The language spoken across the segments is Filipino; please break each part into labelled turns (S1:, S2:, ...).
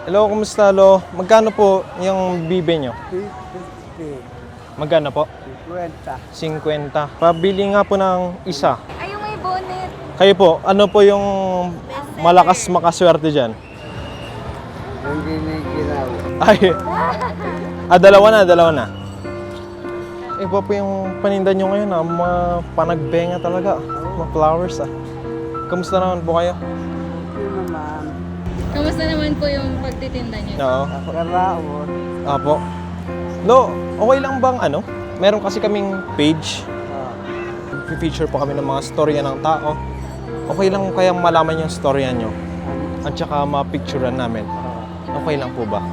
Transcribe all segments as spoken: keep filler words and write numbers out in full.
S1: Hello, kumusta lo? Magkano po yung bibe nyo?
S2: fifty.
S1: Magkano po?
S2: fifty.
S1: fifty. Pabili nga po ng isa.
S3: Ay, yung may bonnet.
S1: Kayo po, ano po yung malakas makaswerte dyan?
S2: Hindi na ginawa.
S1: Ay, ah, dalawa na, dalawa na. Iba po yung paninda nyo ngayon ah, mga panagbenga talaga. Mga flowers ah. Kamusta naman po kayo?
S2: Hindi naman.
S3: Kamusta naman po yung pagtitinda niyo?
S1: Oo.
S2: Karaos.
S1: Apo. Lo, okay lang bang ano? Meron kasi kaming page. I-feature po kami ng mga storya ng tao. Okay lang kaya malaman yung storya nyo. At saka ma-picturean namin. Okay lang po ba?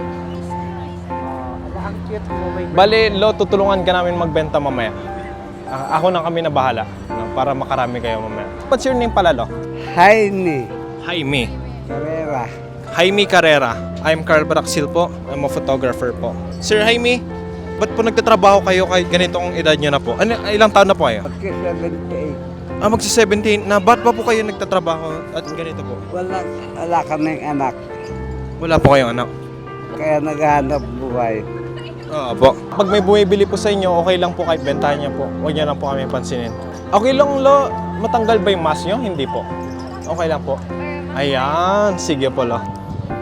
S2: Ang cute mo. May
S1: Bale, Lo, tutulungan ka namin magbenta mamaya. A- ako na kami na bahala no, para makarami kayo mamaya. What's your name pala, Lo?
S2: Jaime
S1: Jaime.
S2: Carrera.
S1: Jaime Carrera. I'm Carl Braxil po. I'm a photographer po. Sir Jaime, ba't po nagtatrabaho kayo kahit ganitong edad nyo na po? Ano, ilang taon na po kayo?
S2: Pagka seventy-eight.
S1: Ah, magsi-seventeen na. Ba't pa po kayo nagtatrabaho at ganito po?
S2: Wala, wala kaming anak.
S1: Wala po kayong anak?
S2: Kaya naghahanap buhay.
S1: Oo po. Pag may bumibili po sa inyo, okay lang po kahit bentahan niya po. Huwag niya lang po kami pansinin. Okay lang, Lo. Matanggal ba yung mask nyo? Hindi po. Okay lang po. Ayan. Sige po, Lo.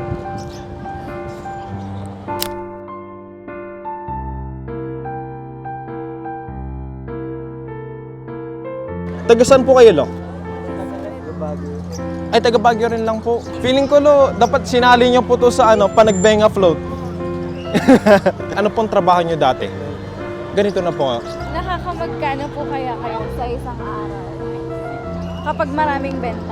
S1: Taga saan po kayo, Lo? Ay, taga Baguio rin lang po. Feeling ko, Lo, dapat sinali niyo po to sa ano, panagbenga float. Ano pong trabaho niyo dati? Ganito na po nga.
S3: Nakakamagkano po kaya kayo sa isang araw? Kapag maraming benta?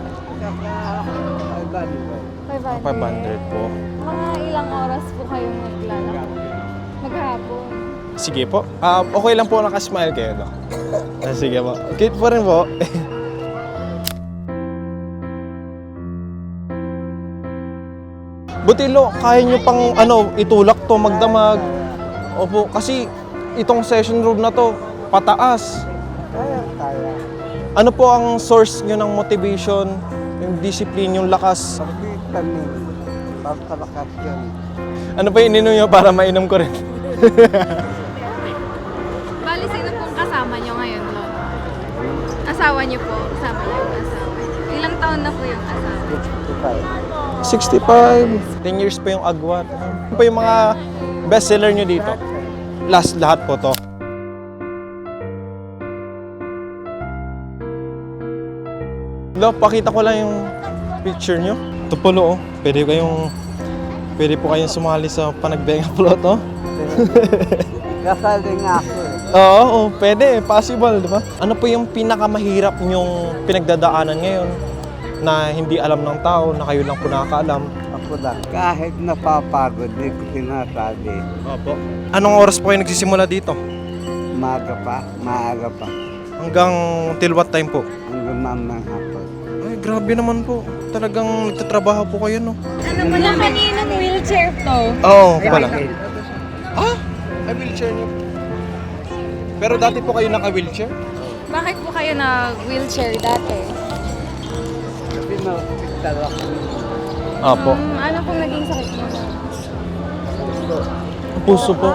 S3: five hundred.
S1: five hundred po.
S3: Mga ilang oras po kayong naglalakad? Maghapon.
S1: Sige po. Ah, okay lang po nakasmile kayo, Lo. Ah, sige po. Cute po rin po. Buti, Lo, kaya nyo pang ano, itulak to, magdamag. Opo, kasi itong session room na to, pataas.
S2: Kaya, kaya.
S1: Ano po ang source nyo ng motivation, yung discipline, yung lakas?
S2: Vitamin. Pampalakas yun.
S1: Ano pa ininom nyo para mainom ko rin?
S3: Bali, sino pong kasama niyo ngayon, Lolo? Asawa niyo po? Kasama niyo yung asawa niyo? Ilang taon na po yung asawa?
S2: sixty-five.
S1: sixty-five. ten years pa yung agwat. Ano pa yung mga bestseller nyo dito? Last lahat po to. Lo, pakita ko lang yung picture nyo. Ito po, Lo, oh. Pwede kayong, pwede po kayong sumali sa panagbenga plot, oh.
S2: Kasali nga ako eh.
S1: Oo, oh, pwede. Possible, di ba? Ano po yung pinakamahirap nyong pinagdadaanan ngayon na hindi alam ng tao, na kayo lang po nakakaalam?
S2: Ako lang. Kahit napapagod, hindi ko sinasabi.
S1: Opo. Anong oras po kayo nagsisimula dito?
S2: Maaga pa, maaga pa.
S1: Hanggang till what time po?
S2: Hanggang mamang hapon.
S1: Ay, grabe naman po. Talagang nagtatrabaho po kayo, no?
S3: Ano po na kaninong wheelchair to?
S1: Oo, pala. Ah? Ay, wheelchair niyo. Pero dati po kayo naka-wheelchair?
S3: Bakit po kayo nag-wheelchair dati?
S2: Kasi na-hospital ako.
S1: Opo.
S3: Um, ano pong naging sakit mo?
S1: Puso po.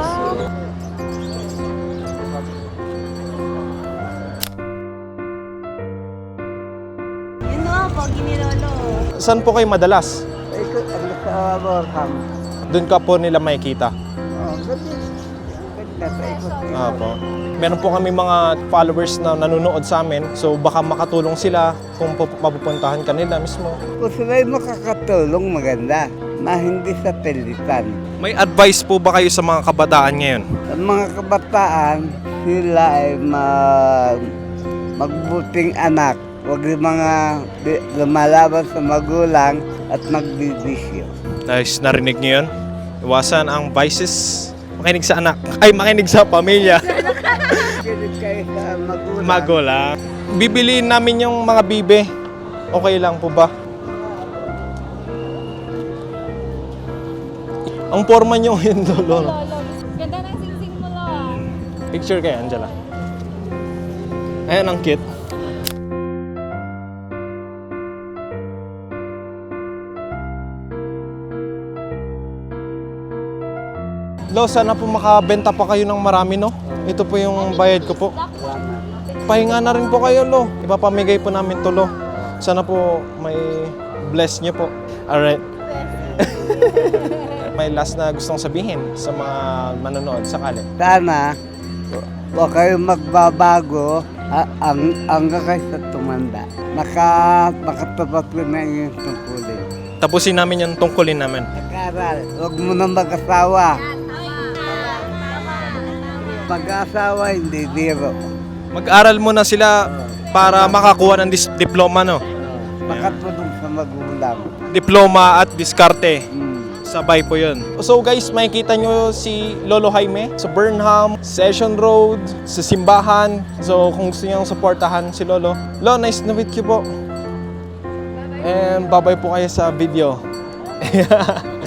S3: Yun o, pag ginilolo.
S1: Saan po kayo madalas?
S2: Ikot ang sa Borham.
S1: Doon ka po nila makikita.
S2: Oh, ganda. Ganda sa ikot.
S1: Opo. Meron po kami mga followers na nanonood sa amin. So baka makatulong sila kung pu- mapupuntahan ka nila mismo.
S2: Kung sila'y makakatulong, maganda. Na hindi sa pilitan.
S1: May advice po ba kayo sa mga kabataan ngayon?
S2: Ang mga kabataan, sila ay mag, magbuting anak. Huwag yung mga di- lumalaban sa magulang at magbibisyo.
S1: Guys, narinig niyo yun? Iwasan ang vices. Makinig sa anak. Ay, makinig sa pamilya.
S2: Kinig kayo sa magulang.
S1: Magulang. Bibiliin namin yung mga bibe. Okay lang po ba? Ang forma nyo yun, Lolo.
S3: Lolo, ganda ng singsing mo, Lolo.
S1: Picture kayo, Angela. Ayan, ang cute. Lo, sana po makabenta pa kayo ng marami, no? Ito po yung bayad ko po.
S2: Salamat.
S1: Pahinga na rin po kayo, Lo. Ipapamigay po namin to, Lo. Sana po may bless niyo po. Alright. May last na gustong sabihin sa mga manonood sakali.
S2: Sana, huwag kayong magbabago a- ang, hanggang kayo sa tumanda. Naka, makatapat ko na yung tungkulin.
S1: Tapusin namin yung tungkulin namin.
S2: Nag-aral, huwag mo na mag-asawa. Mag-asawa, hindi biro.
S1: Mag-aral muna sila para makakuha ng dis- diploma, no?
S2: Makatulong sa magulang.
S1: Diploma at diskarte.
S2: Hmm.
S1: Sabay po yun. So guys, makikita nyo si Lolo Jaime sa Burnham, Session Road, sa simbahan. So kung gusto nyo supportahan si Lolo. Lo, nice to meet you po. And bye-bye po kayo sa video.